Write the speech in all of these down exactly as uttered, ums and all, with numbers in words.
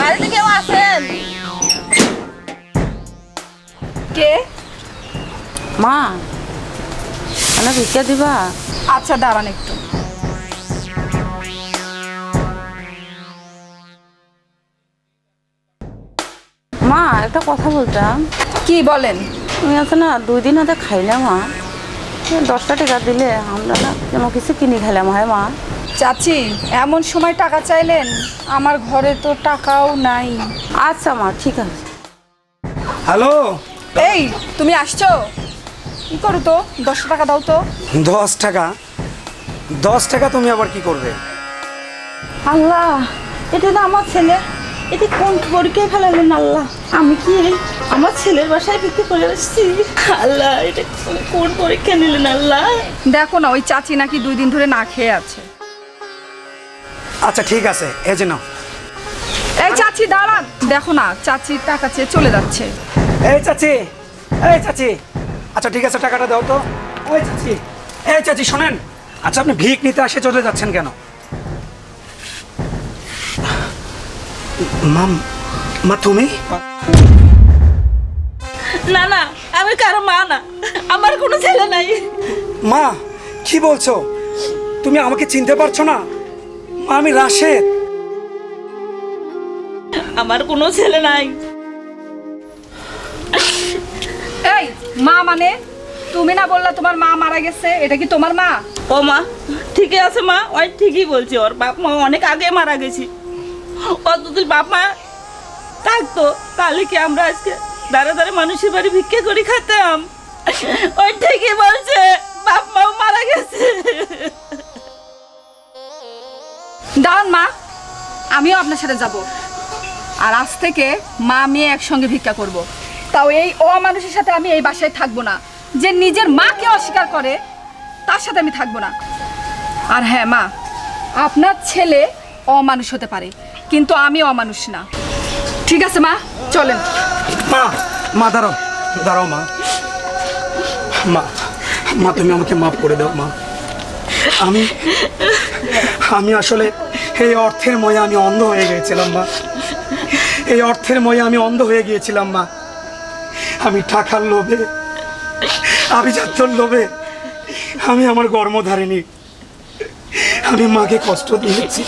বাড়িতে কেউ আছেন? কে? মা মানে ভিক্ষা দিবা? আচ্ছা দাঁড়ান একটু। মা একটা কথা বলতাম। কি বলেন? তুমি আছে না দুই দিন হাতে খাইলাম মা, দশটা টাকা দিলে আমরা না যেমন কিছু কিনে খাইলাম। হয় মা? চাচি এমন সময় টাকা চাইলেন, আমার ঘরে তো টাকাও নাই। আচ্ছা মা ঠিক আছে। হ্যালো, এই তুমি আসছো? কি করো তো, দশ টাকা দাও তো। দশ টাকা? দশ টাকা তুমি আবার কি করবে? আল্লাহ, এটা তো আমার ছেলে, এটা কোন পরীক্ষায় ফেলালেন আল্লাহ? আমি কি আমার ছেলের বাসায় বিক্রি করে আসছি? আল্লাহ, এটা কোন পরীক্ষা নিলেন আল্লাহ? দেখো না, ওই চাচি নাকি দুই দিন ধরে না খেয়ে আছে। আচ্ছা ঠিক আছে, এই যে নাও। এই চাচি দাঁড়ান, দেখো না চাচি টাকা চেয়ে চলে যাচ্ছে। এই চাচি, এই চাচি, আচ্ছা ঠিক আছে টাকাটা দাও তো। ওই চাচি, এই চাচি শোনেন, আচ্ছা আপনি ভিক নিতে আসে চলে যাচ্ছেন কেন? মাম, মা তুমি? না না, আমি কারো মা না, আমার কোনো ছেলে নাই। মা কি বলছো? তুমি আমাকে চিনতে পারছো না? মা আমি রাশেদ। আমার কোনো ছেলে নাই। এই মা মানে? তুমি না বললা তোমার মা মারা গেছে, এটা কি তোমার মা? ও মা ঠিকই আছে মা, ওই ঠিকই বলছি, ওর বাপ মা অনেক আগে মারা গেছি। ও যদি বাপ মা থাকতো তাহলে কি আমরা আজকে দাঁড়া দাঁড়া মানুষের বাড়ি ভিক্ষা করে খেতাম? ওই ঠিকই বলছে, বাপ মাও মারা গেছে। দাঁড়ান মা, আমিও আপনার সাথে যাব, আর আজ থেকে মা মেয়ে একসঙ্গে ভিক্ষা করব। তাও এই অমানুষের সাথে আমি এই বাসায় থাকবো না, যে নিজের মাকে অস্বীকার করে তার সাথে আমি থাকবো না। আর হ্যাঁ মা, আপনার ছেলে অমানুষ হতে পারে, কিন্তু আমি অমানুষ না। ঠিক আছে মা, চলেন। মা, মা দাঁড়াও, দাঁড়াও মা। মা, মা তুমি আমাকে মাফ করে দাও মা। আমি আমি আসলে এই অর্থের ময়ে আমি অন্ধ হয়ে গিয়েছিলাম মা। এই অর্থের ময়ে আমি অন্ধ হয়ে গিয়েছিলাম মা। আমি টাকার লোভে, আভিজাত্যর লোভে আমি আমার গর্ভধারিণী, আমি মাকে কষ্ট দিয়েছি।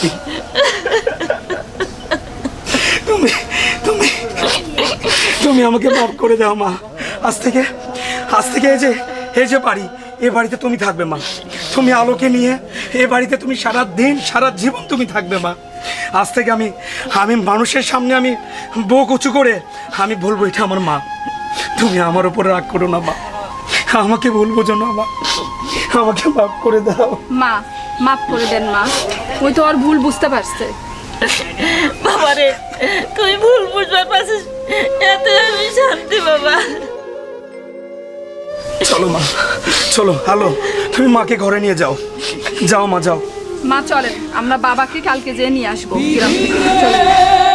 তুমি তুমি তুমি আমাকে মাফ করে দাও মা। আজ থেকে আজ থেকে এই যে এই যে বাড়ি, এ বাড়িতে তুমি থাকবে মা। তুমি আলোকে নিয়ে এ বাড়িতে তুমি সারা দিন সারা জীবন তুমি থাকবে মা। আজ থেকে আমি আমি মানুষের সামনে আমি বুক উঁচু করে আমি বলবো এটা আমার মা। তুমি আমার উপর রাগ করো না মা, আমাকে ভুল বোঝো না মা, আমাকে মাফ করে দাও মা। মাফ করে দেন মা, ওই তো আর ভুল বুঝতে পারছে। বাবারে তুই ভুল বুঝবার পারছিস, এতে আমি শান্তি বাবা। চলো মা, চলো। হ্যালো, তুমি মাকে ঘরে নিয়ে যাও, যাও মা যাও। মা চলেন, আমরা বাবাকে কালকে যেয়ে নিয়ে আসবো গ্রাম থেকে। চলেন।